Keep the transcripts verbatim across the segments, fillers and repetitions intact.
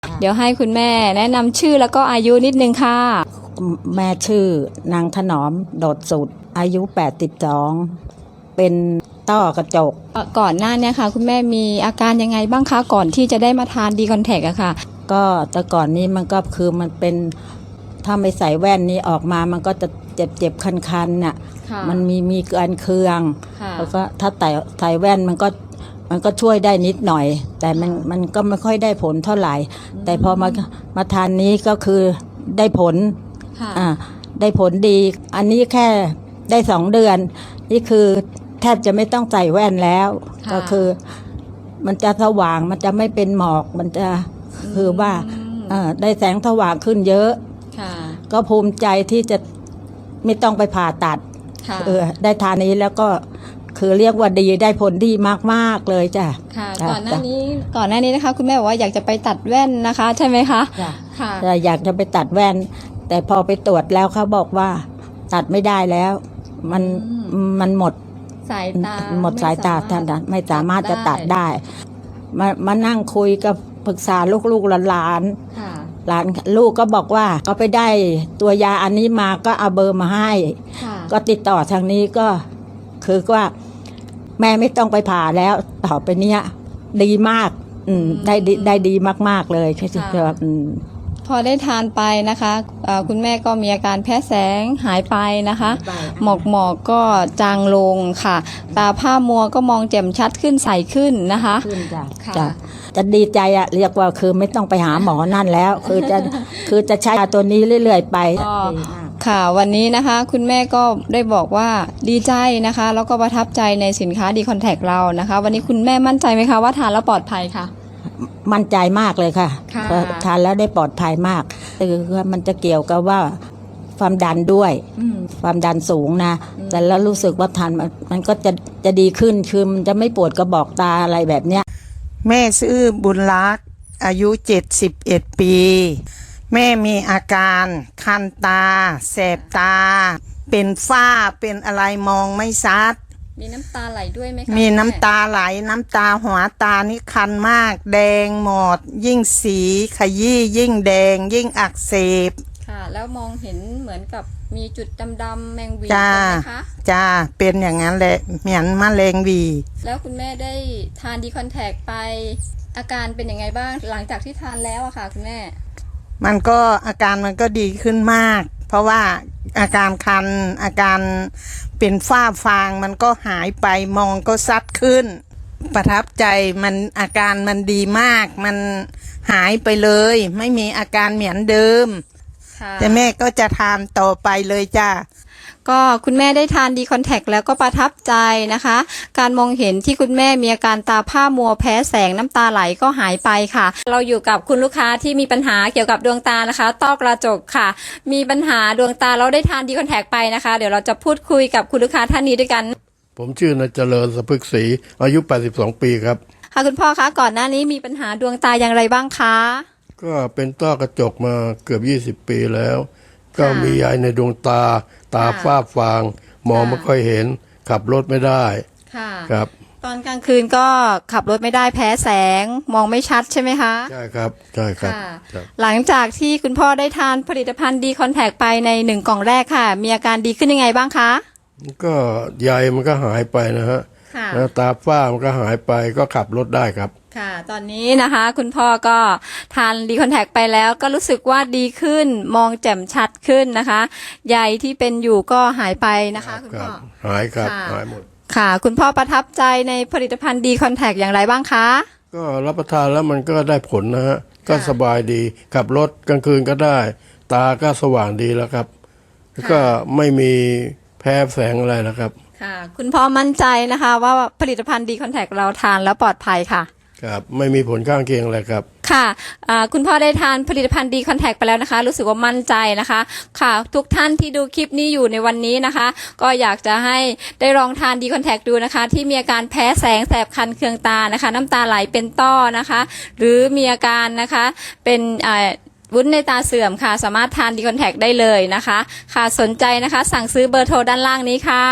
เดี๋ยวให้คุณแม่แนะนำชื่อแล้วก็อายุนิดนึงค่ะแม่ชื่อนางถนอมโดดสุดอายุแปดสิบสองเป็นต้อกระจกก่อนหน้านี้ค่ะคุณแม่มีอาการยังไงบ้างคะก่อนที่จะได้มาทานดีคอนแทคอะค่ะก็แต่ก่อนนี้มันก็คือมันเป็นถ้าไม่ใส่แว่นนี้ออกมามันก็จะเจ็บเจ็บคันคันน่ะมันมีมีการเคืองแล้วก็ถ้าใส่ใส่แว่นมันก็มันก็ช่วยได้นิดหน่อยแต่มันมันก็ไม่ค่อยได้ผลเท่าไหร่แต่พอมามาทานนี้ก็คือได้ผลอ่าได้ผลดีอันนี้แค่ได้สองเดือนนี่คือแทบจะไม่ต้องใส่แว่นแล้วก็คือมันจะสว่างมันจะไม่เป็นหมอกมันจะคือว่าได้แสงสว่างขึ้นเยอะก็ภูมิใจที่จะไม่ต้องไปผ่าตัดเออได้ทานนี้แล้วก็คือเรียกว่าดีได้ผลดีมากๆเลยจ้ะค่ะก่อนหน้านี้ก่อนหน้านี้นะคะคุณแม่บอกว่าอยากจะไปตัดแว่นนะคะใช่ไหมคะค่ะอยากจะไปตัดแว่นแต่พอไปตรวจแล้วเขาบอกว่าตัดไม่ได้แล้วมันมันหมดสายตาหมดสายตาท่านไม่สามารถจะตัดได้มามานั่งคุยกับปรึกษาลูกๆหลานๆหลานลูกก็บอกว่าก็ไปได้ตัวยาอันนี้มาก็เอาเบอร์มาให้ก็ติดต่อทางนี้ก็คือว่าแม่ไม่ต้องไปผ่าแล้วต่อไปเนี้ยดีมากอืมได้ได้ดีมากๆเลยคืออืมพอได้ทานไปนะคะคุณแม่ก็มีอาการแพ้แสงหายไปนะคะหมอกหมอกก็จางลงค่ะตาผ้ามัวก็มองแจ่มชัดขึ้นใสขึ้นนะคะขึ้นจ้ะจ้ะจะดีใจอะเรียกว่าคือไม่ต้องไปหาหมอนั่นแล้วคือจะคือจะใช้ตัวนี้เรื่อยๆไปค่ะวันนี้นะคะคุณแม่ก็ได้บอกว่าดีใจนะคะแล้วก็ประทับใจในสินค้าดีคอนแทคเรานะคะวันนี้คุณแม่มั่นใจไหมคะว่าทานแล้วปลอดภัยค่ะมั่นใจมากเลยค่ะทานแล้วได้ปลอดภัยมากคือมันจะเกี่ยวกับว่าความดันด้วยความดันสูงนะแต่แล้วรู้สึกว่าทานมันก็จะจะดีขึ้นคือมันจะไม่ปวดกระบอกตาอะไรแบบเนี้ยแม่ชื่อบุญรักษ์อายุเจ็ดสิบเอ็ดปีแม่มีอาการคันตาแสบตาเป็นฝ้าเป็นอะไรมองไม่ชัดมีน้ำตาไหลด้วยไหมคะมีน้ำตาไหลน้ำตาหัวตานี่คันมากแดงหมดยิ่งสีขยี้ยิ่งแดงยิ่งอักเสบค่ะแล้วมองเห็นเหมือนกับมีจุดดำๆแมงวีใช่ไหมคะจ้าเป็นอย่างนั้นแหละเหมือนมะเร็งวีแล้วคุณแม่ได้ทานดีคอนแทคไปอาการเป็นยังไงบ้างหลังจากที่ทานแล้วอะค่ะคุณแม่มันก็อาการมันก็ดีขึ้นมากเพราะว่าอาการคันอาการเป็นฝ้าฟางมันก็หายไปมองก็ซัดขึ้นประทับใจมันอาการมันดีมากมันหายไปเลยไม่มีอาการเหมือนเดิมแต่แม่ก็จะทานต่อไปเลยจ้าก็คุณแม่ได้ทานดีคอนแทคแล้วก็ประทับใจนะคะการมองเห็นที่คุณแม่มีอาการตาผ้ามัวแพ้แสงน้ำตาไหลก็หายไปค่ะเราอยู่กับคุณลูกค้าที่มีปัญหาเกี่ยวกับดวงตานะคะต้อกระจกค่ะมีปัญหาดวงตาเราได้ทานดีคอนแทคไปนะคะเดี๋ยวเราจะพูดคุยกับคุณลูกค้าท่านนี้ด้วยกันผมชื่อนายเจริญสะพึกศรีอายุแปดสิบสองปีครับค่ะคุณพ่อคะก่อนหน้านี้มีปัญหาดวงตาอย่างไรบ้างคะก็เป็นต้อกระจกมาเกือบยี่สิบปีแล้วก็มียายในดวงตาตาฝ้าฟางมองไม่ค่อยเห็นขับรถไม่ได้ครับตอนกลางคืนก็ขับรถไม่ได้แพ้แสงมองไม่ชัดใช่ไหมคะใช่ครับใช่ครับหลังจากที่คุณพ่อได้ทานผลิตภัณฑ์ดีคอนแทคไปในหนึ่งกล่องแรกค่ะมีอาการดีขึ้นยังไงบ้างคะก็ใยมันก็หายไปนะฮะแล้วตาฝ้ามันก็หายไปก็ขับรถได้ครับค่ะตอนนี้นะคะคุณพ่อก็ทานดีคอนแทคไปแล้วก็รู้สึกว่าดีขึ้นมองแจ่มชัดขึ้นนะคะใยที่เป็นอยู่ก็หายไปนะคะคุณพ่อหายครับหายหมดค่ะคุณพ่อประทับใจในผลิตภัณฑ์ดีคอนแทคอย่างไรบ้างคะก็รับประทานแล้วมันก็ได้ผลนะฮะก็สบายดีขับรถกลางคืนก็ได้ตาก็สว่างดีแล้วครับแล้วก็ไม่มีแพ้แสงอะไรแล้วครับค่ะคุณพ่อมั่นใจนะคะว่าผลิตภัณฑ์ดีคอนแทคเราทานแล้วปลอดภัยค่ะครับไม่มีผลข้างเคียงอะไรครับค่ะคุณพ่อได้ทานผลิตภัณฑ์ดีคอนแทคไปแล้วนะคะรู้สึกว่ามั่นใจนะคะค่ะทุกท่านที่ดูคลิปนี้อยู่ในวันนี้นะคะก็อยากจะให้ได้ลองทานดีคอนแทคดูนะคะที่มีอาการแพ้แสงแสบคันเคืองตานะคะน้ำตาไหลเป็นต้อนะคะหรือมีอาการนะคะเป็นวุ้นในตาเสื่อมค่ะสามารถทานดีคอนแทคได้เลยนะคะค่ะสนใจนะคะสั่งซื้อเบอร์โทรด้านล่างนี้ค่ะ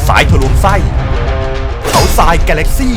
สายทะลวงไส้เขาทรายกาแล็กซี่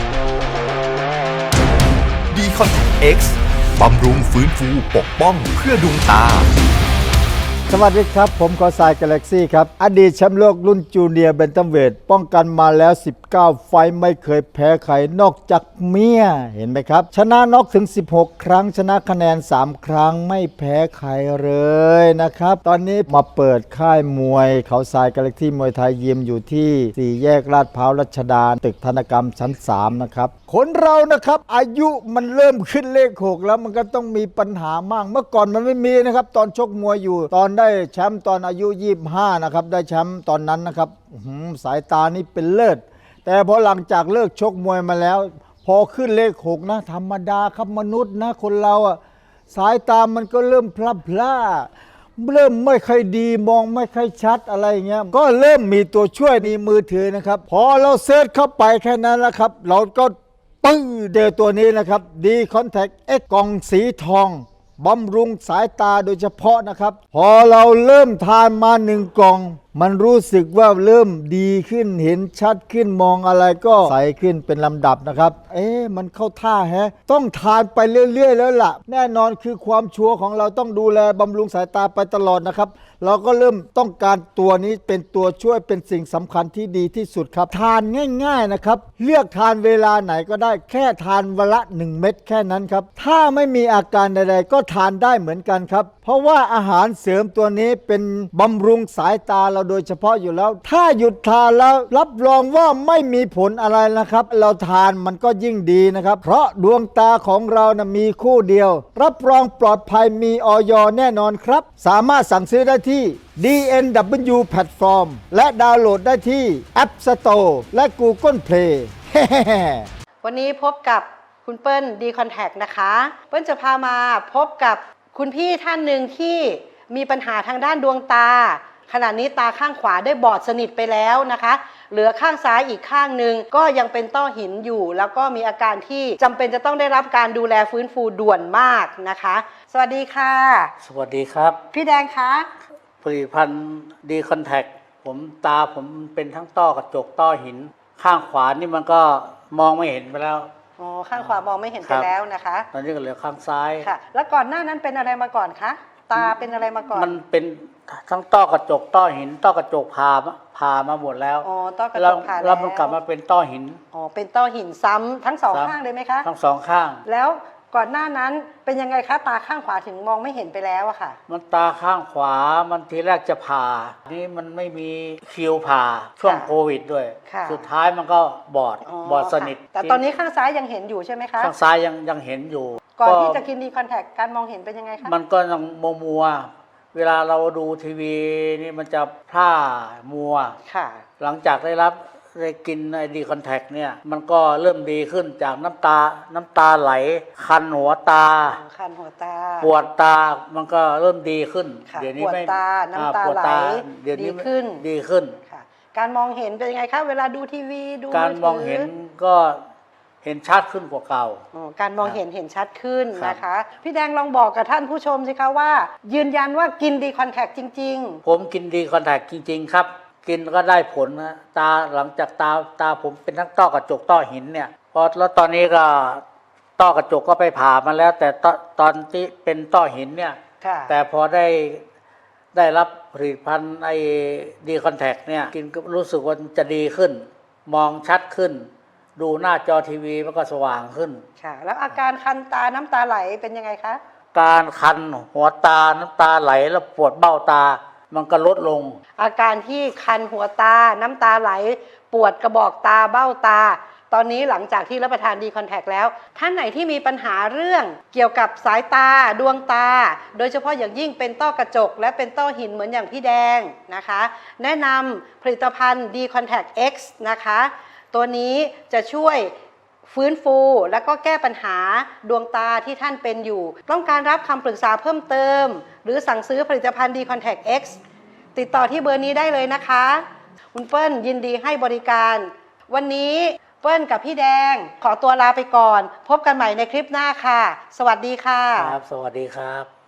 ดีคอนแทค X บำรุงฟื้นฟูปกป้องเพื่อดวงตาสวัสดีครับผมขอสายกาแล็กซี่ครับอดีตแชมป์โลกรุ่นจูเนียร์เบนตัมเวทป้องกันมาแล้วสิบเก้าไฟต์ไม่เคยแพ้ใครนอกจากเมียเห็นไหมครับชนะน็อกถึงสิบหกครั้งชนะคะแนนสามครั้งไม่แพ้ใครเลยนะครับตอนนี้มาเปิดค่ายมวยเขาทรายกาแล็กซี่มวยไทยยิมอยู่ที่สี่แยกลาดพร้าวรัชดาตึกธนกรรมชั้นสามนะครับคนเรานะครับอายุมันเริ่มขึ้นเลขหกแล้วมันก็ต้องมีปัญหามากเมื่อก่อนมันไม่มีนะครับตอนชกมวยอยู่ตอนได้แชมป์ตอนอายุยี่สิบห้านะครับได้แชมป์ตอนนั้นนะครับสายตานี่เป็นเลิศแต่พอหลังจากเลิกชกมวยมาแล้วพอขึ้นเลขหกนะธรรมดาครับมนุษย์นะคนเราอะสายตามันก็เริ่มพลับพล่าเริ่มไม่ค่อยดีมองไม่ค่อยชัดอะไรอย่างเงี้ยก็เริ่มมีตัวช่วยในมือถือนะครับพอเราเซิร์ชเข้าไปแค่นั้นนะครับเราก็ปึ้งเจอตัวนี้นะครับดีคอนแทคเอ็กกล่องสีทองบำรุงสายตาโดยเฉพาะนะครับพอเราเริ่มทานมาหนึ่งกล่องมันรู้สึกว่าเริ่มดีขึ้นเห็นชัดขึ้นมองอะไรก็ใสขึ้นเป็นลำดับนะครับเอ๊ะมันเข้าท่าแฮะต้องทานไปเรื่อยๆแล้วล่ะแน่นอนคือความชัวร์ของเราต้องดูแลบำรุงสายตาไปตลอดนะครับเราก็เริ่มต้องการตัวนี้เป็นตัวช่วยเป็นสิ่งสำคัญที่ดีที่สุดครับทานง่ายๆนะครับเลือกทานเวลาไหนก็ได้แค่ทานวันละหนึ่งเม็ดแค่นั้นครับถ้าไม่มีอาการใดๆก็ทานได้เหมือนกันครับเพราะว่าอาหารเสริมตัวนี้เป็นบำรุงสายตาเราโดยเฉพาะอยู่แล้วถ้าหยุดทานแล้วรับรองว่าไม่มีผลอะไรนะครับเราทานมันก็ยิ่งดีนะครับเพราะดวงตาของเรานะมีคู่เดียวรับรองปลอดภัยมีอย.แน่นอนครับสามารถสั่งซื้อได้ที่ ดี เอ็น ดับเบิลยู Platform และดาวน์โหลดได้ที่ App Store และ Google Play วันนี้พบกับคุณเปิ้ลดีคอนแทคนะคะเปิ้ลจะพามาพบกับคุณพี่ท่านหนึ่งที่มีปัญหาทางด้านดวงตาขณะนี้ตาข้างขวาได้บอดสนิทไปแล้วนะคะเหลือข้างซ้ายอีกข้างหนึ่งก็ยังเป็นต้อหินอยู่แล้วก็มีอาการที่จำเป็นจะต้องได้รับการดูแลฟื้นฟูด่วนมากนะคะสวัสดีค่ะสวัสดีครับพี่แดงคะผลิตภัณฑ์ดีคอนแทคผมตาผมเป็นทั้งต้อกระจกต้อหินข้างขวานี่มันก็มองไม่เห็นไปแล้วอ๋อข้างขวามองไม่เห็นไปแล้วนะคะตอนนี้ก็เหลือข้างซ้ายค่ะแล้วก่อนหน้านั้นเป็นอะไรมาก่อนคะตาเป็นอะไรมาก่อนมันเป็นทั้งต้อกระจกต้อหินต้อกระจกผ่าผ่ามาหมดแล้วอ๋อต้อกระจกผ่าแล้วแล้วมันกลับมาเป็นต้อหินอ๋อเป็นต้อหินซ้ำทั้งสองข้างเลยไหมคะทั้งสองข้างแล้วก่อนหน้านั้นเป็นยังไงคะตาข้างขวาถึงมองไม่เห็นไปแล้วอะค่ะมันตาข้างขวามันทีแรกจะผ่านี่มันไม่มีคิวผ่าช่วงโควิดด้วยสุดท้ายมันก็บอดบอดสนิทแต่ตอนนี้ข้างซ้ายยังเห็นอยู่ใช่ไหมคะข้างซ้ายยังยังเห็นอยู่ก่อนที่จะกินดีคอนแทคการมองเห็นเป็นยังไงคะมันก็ยังมัวมัวเวลาเราดูทีวีนี่มันจะพร่ามัวค่ะหลังจากได้รับได้กินไอดีคอนแทคเนี่ยมันก็เริ่มดีขึ้นจากน้ำตาน้ำตาไหลคันหัวตาคันหัวตาปวดตามันก็เริ่มดีขึ้นเดี๋ยวนี้ไม่ปวดตาน้ำตาไหลดีขึ้นดีขึ้นค่ะการมองเห็นเป็นยังไงคะเวลาดูทีวีดูการมองเห็นก็เห็นชัดขึ้นกว่าเก่าการมองเห็นเห็นชัดขึ้นนะคะพี่แดงลองบอกกับท่านผู้ชมสิคะว่ายืนยันว่ากินดีคอนแทคจริงๆผมกินดีคอนแทคจริงๆครับกินก็ได้ผลนะตาหลังจากตาตาผมเป็นทั้งต้อกระจกต้อหินเนี่ยพอแล้วตอนนี้ก็ต้อกระจกก็ไปผ่ามาแล้วแต่ตตอนที่เป็นต้อหินเนี่ยแต่พอได้ได้รับผลิตภัณฑ์ไอ้ดีคอนแทคเนี่ยกินก็รู้สึกว่าจะดีขึ้นมองชัดขึ้นดูหน้าจอทีวีมันก็สว่างขึ้นค่ะแล้วอาการคันตาน้ำตาไหลเป็นยังไงคะการคันหัวตาน้ำตาไหลแล้วปวดเบ้าตามันก็ลดลงอาการที่คันหัวตาน้ำตาไหลปวดกระบอกตาเบ้าตาตอนนี้หลังจากที่รับประทานดีคอนแทคแล้วท่านไหนที่มีปัญหาเรื่องเกี่ยวกับสายตาดวงตาโดยเฉพาะอย่างยิ่งเป็นต้อกระจกและเป็นต้อหินเหมือนอย่างพี่แดงนะคะแนะนำผลิตภัณฑ์ดีคอนแทค X นะคะตัวนี้จะช่วยฟื้นฟูและก็แก้ปัญหาดวงตาที่ท่านเป็นอยู่ต้องการรับคำปรึกษาเพิ่มเติมหรือสั่งซื้อผลิตภัณฑ์ดีคอนแทค X ติดต่อที่เบอร์นี้ได้เลยนะคะคุณเปิ้ลยินดีให้บริการวันนี้เปิ้ลกับพี่แดงขอตัวลาไปก่อนพบกันใหม่ในคลิปหน้าค่ะสวัสดีค่ะครับสวัสดีครับ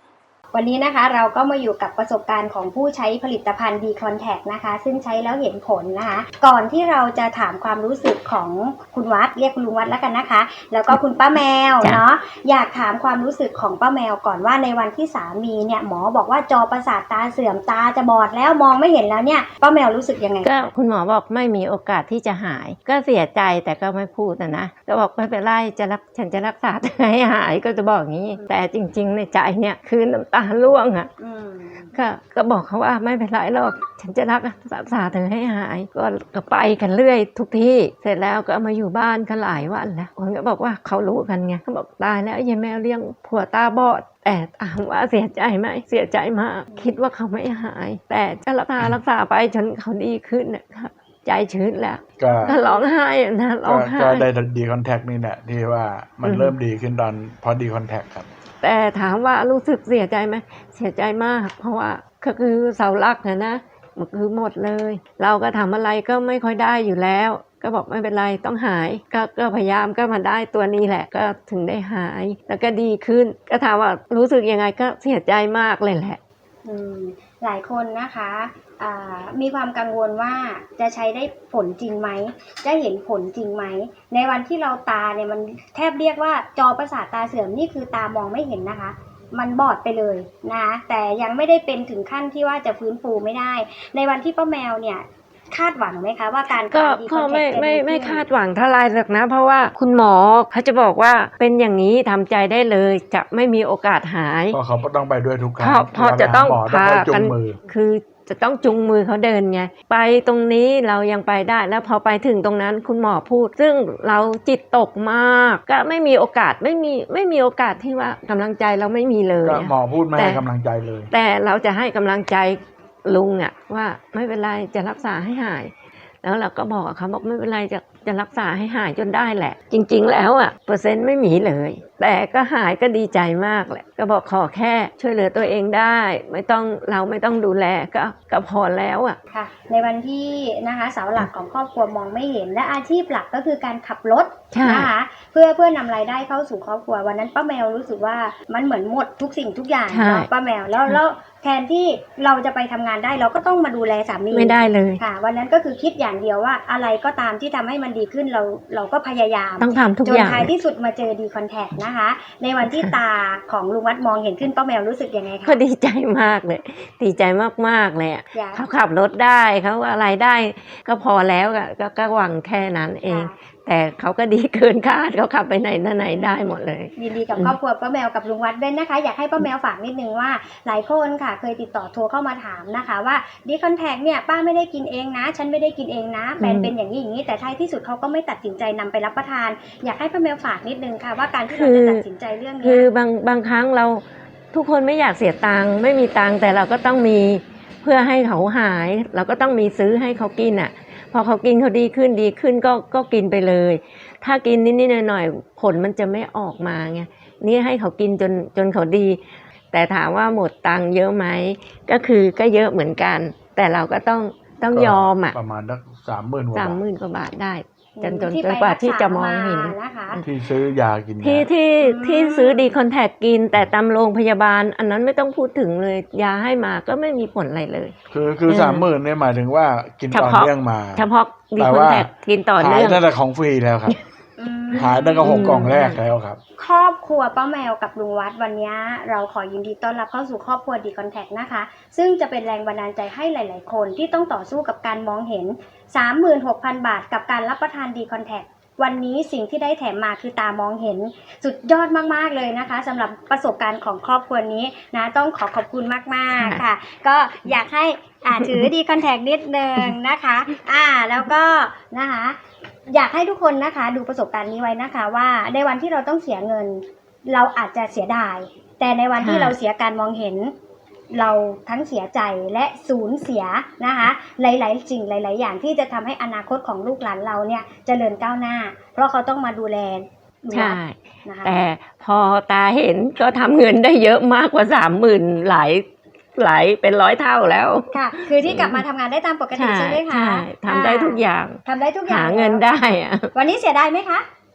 วันนี้นะคะเราก็มาอยู่กับประสบการณ์ของผู้ใช้ผลิตภัณฑ์ ดี Contact นะคะซึ่งใช้แล้วเห็นผลนะคะก่อนที่เราจะถามความรู้สึกของคุณวัดเรียกคุณลุงวัดแล้วกันนะคะแล้วก็คุณป้าแมวเนาะอยากถามความรู้สึกของป้าแมวก่อนว่าในวันที่สามีเนี่ยหมอบอกว่าจอประสาทตาเสื่อมตาจะบอดแล้วมองไม่เห็นแล้วเนี่ยป้าแมวรู้สึกยังไงก็คุณหมอบอกไม่มีโอกาสที่จะหายก็เสียใจแต่ก็ไม่พูดนะนะก็บอกไม่เป็นไรจะรักฉันจะรักษาให้หายก็จะบอกอย่างนี้แต่จริงๆในใจเนี่ยคือน้ำตาร่วงอ่ะก็ก็บอกเขาว่าไม่เป็นไรหรอกฉันจะรักษาเธอให้หายก็ก็ไปกันเรื่อยทุกที่เสร็จแล้วก็มาอยู่บ้านกันหลายวันแล้วคนก็บอกว่าเขารู้กันไงเขาบอกตายแล้วยายแมวเลี้ยงผัวตาบอดแต่ถามว่าเสียใจไหมเสียใจมากคิดว่าเขาไม่หายแต่จะรักษารักษาไปจนเขาดีขึ้นนะครับใจชื้นแล้วก็ร้องไห้นะร้องไห้ก็ได้ดีคอนแทคนี่แหละที่ว่ามันเริ่มดีขึ้นตอนพอดีคอนแทคครับแต่ถามว่ารู้สึกเสียใจไหมเสียใจมากเพราะว่าก็คือเสาหลักนะนะมันคือหมดเลยเราก็ทำอะไรก็ไม่ค่อยได้อยู่แล้วก็บอกไม่เป็นไรต้องหายก็ก็พยายามก็มาได้ตัวนี้แหละก็ถึงได้หายแล้วก็ดีขึ้นก็ถามว่ารู้สึกยังไงก็เสียใจมากเลยแหละอืมหลายคนนะคะมีความกังวลว่าจะใช้ได้ผลจริงไหมจะเห็นผลจริงไหมในวันที่เราตาเนี่ยมันแทบเรียกว่าจอประสาทตาเสื่อมนี่คือตามองไม่เห็นนะคะมันบอดไปเลยนะคะแต่ยังไม่ได้เป็นถึงขั้นที่ว่าจะฟื้นฟูไม่ได้ในวันที่ป้าแมวเนี่ยคาดหวังไหมคะว่าการก็ก็ไม่ไม่ไม่คาดหวังเท่าไรหรอกนะเพราะว่าคุณหมอเขาจะบอกว่าเป็นอย่างนี้ทำใจได้เลยจะไม่มีโอกาสหายเพราะเขาต้องไปด้วยทุกครั้งเพราะจะต้องพากันคือจะต้องจุงมือเขาเดินไงไปตรงนี้เรายังไปได้แล้วพอไปถึงตรงนั้นคุณหมอพูดซึ่งเราจิตตกมากก็ไม่มีโอกาสไม่มีไม่มีโอกาสที่ว่ากำลังใจเราไม่มีเลยหมอพูดไม่ให้กำลังใจเลยแต่เราจะให้กำลังใจลุงอ่ะว่าไม่เป็นไรจะรักษาให้หายแล้วเราก็บอกเขาบอกไม่เป็นไรจะจะรักษาให้หายจนได้แหละจริงๆแล้วอ่ะเปอร์เซ็นต์ไม่มีเลยแต่ก็หายก็ดีใจมากแหละก็บอกขอแค่ช่วยเหลือตัวเองได้ไม่ต้องเราไม่ต้องดูแลก็ก็พอแล้วอ่ะค่ะในวันที่นะคะเสาหลักของครอบครัวมองไม่เห็นและอาชีพหลักก็คือการขับรถนะคะเพื่อเพื่อนำรายได้เข้าสู่ครอบครัววันนั้นป้าแมวรู้สึกว่ามันเหมือนหมดทุกสิ่งทุกอย่างเนาะป้าแมวแล้วแล้วแทนที่เราจะไปทำงานได้เราก็ต้องมาดูแลสามีไม่ได้เลยค่ะวันนั้นก็คือคิดอย่างเดียวว่าอะไรก็ตามที่ทำให้มันดีขึ้นเราเราก็พยายามต้องทำทุกอย่างจนท้ายที่สุดมาเจอดีคอนแทคนะคะในวันที่ตาของลุงวัดมองเห็นขึ้นป้าแมวรู้สึกยังไงคะก็ดีใจมากเลยดีใจมากๆเลยเขาขับรถได้เขาอะไรได้ก็พอแล้วก็ก็หวังแค่นั้นเองแต่เขาก็ดีเกินคาดเขาขับไปไหนมาไหนได้หมดเลยยินดีกับครอบครัวป้าแมวกับลุงวัดด้วยนะคะอยากให้ป้าแมวฝากนิดนึงว่าหลายคนค่ะเคยติดต่อโทรเข้ามาถามนะคะว่าดีคอนแทคเนี่ยป้าไม่ได้กินเองนะฉันไม่ได้กินเองนะแฟนเป็นอย่างนี้อย่างนี้แต่ท้ายที่สุดเขาก็ไม่ตัดสินใจนำไปรับประทานอยากให้ป้าแมวฝากนิดนึงค่ะว่าการที่เราจะตัดสินใจเรื่องนี้คือบางบางครั้งเราทุกคนไม่อยากเสียตังค์ไม่มีตังค์แต่เราก็ต้องมีเพื่อให้เขาหายเราก็ต้องมีซื้อให้เขากินอ่ะพอเขากินเขาดีขึ้นดีขึ้นก็ก็กินไปเลยถ้ากินนิดๆหน่อยๆผลมันจะไม่ออกมาไงนี่ให้เขากินจนจนเขาดีแต่ถามว่าหมดตังค์เยอะไหมก็คือก็เยอะเหมือนกันแต่เราก็ต้องต้องยอมอ่ะประมาณสักสามหมื่นกว่าสามหมื่นกว่าบาทได้จนจนจนกว่าที่จะมองเห็นที่ซื้อยากินที่ที่ที่ซื้อดีคอนแทคกินแต่ตามโรงพยาบาลอันนั้นไม่ต้องพูดถึงเลยยาให้มาก็ไม่มีผลอะไรเลยคือคือสามหมื่นเนี่ยหมายถึงว่ากินต่อเนื่องมาเฉพาะดีคอนแทคกินต่อเนื่องหายตั้งแต่ของฟรีแล้วครับหายตั้งแต่หกกล่องแรกแล้วครับครอบครัวป้าแมวกับลุงวัดวันนี้เราขอยินดีต้อนรับเข้าสู่ครอบครัวดีคอนแทคนะคะซึ่งจะเป็นแรงบันดาลใจให้หลายๆคนที่ต้องต่อสู้กับการมองเห็น สามหมื่นหกพัน บาทกับการรับประทานดีคอนแทควันนี้สิ่งที่ได้แถมมาคือตามองเห็นสุดยอดมากๆเลยนะคะสำหรับประสบการณ์ของครอบครัวนี้นะต้องขอขอบคุณมากๆค่ะก็อยากให้อ่าถือดีคอนแทคนิดนึงนะคะอ่าแล้วก็นะคะอยากให้ทุกคนนะคะดูประสบการณ์นี้ไว้นะคะว่าในวันที่เราต้องเสียเงินเราอาจจะเสียดายแต่ในวันที่เราเสียการมองเห็นเราทั้งเสียใจและสูญเสียนะคะหลายๆสิ่งหลายๆอย่างที่จะทำให้อนาคตของลูกหลานเราเนี่ยเจริญก้าวหน้าเพราะเขาต้องมาดูแลใช่นะคะแต่พอตาเห็นก็ทำเงินได้เยอะมากกว่าสามหมื่นหลายหลายเป็นร้อยเท่าแล้วค่ะคือที่กลับมาทำงานได้ตามปกติใช่ไหมคะใช่ทำได้ทุกอย่างทำได้ทุกอย่างหาเงินได้อะวันนี้เสียดายไหมคะ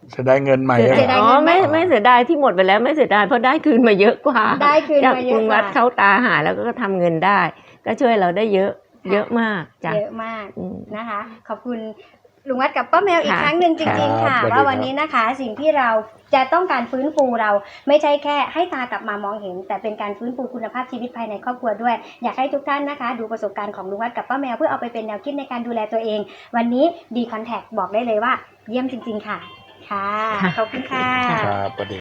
จะได้เงินใหม่เสียเหรดายออ๋อไม่ไม่เสียดายที่หมดไปแล้วไม่เสียดายเพราะได้คืนมาเยอะกว่าได้คืนมาเยอะกว่าจากลุงวัดเข้าตาหาแล้วก็ทำเงินได้ ก็ช่วยเราได้เยอะ เยอะมากจ้ะเยอะมากอืมนะคะ ขอบคุณลุงวัดกับป้าแมวอีกค่ะครั้งหนึ่งจริง ๆ ค่ะครับสวัสดีว่าวันนี้นะคะ สิ่งที่เราจะต้องการฟื้นฟูเราไม่ใช่แค่ให้ตากลับมามองเห็น แต่เป็นการฟื้นฟูคุณภาพชีวิตภายในครอบครัวด้วย อยากให้ทุกท่านนะคะ ดูประสบการณ์ของลุงวัดกับป้าแมวเพื่อเอาไปเป็นแนวคิดในการดูแลตัวเอง วันนี้ดีคอนแทคบอกได้เลยว่า เยี่ยมจริง ๆ ค่ะ ค่ะ ขอบคุณค่ะครับสวัสดี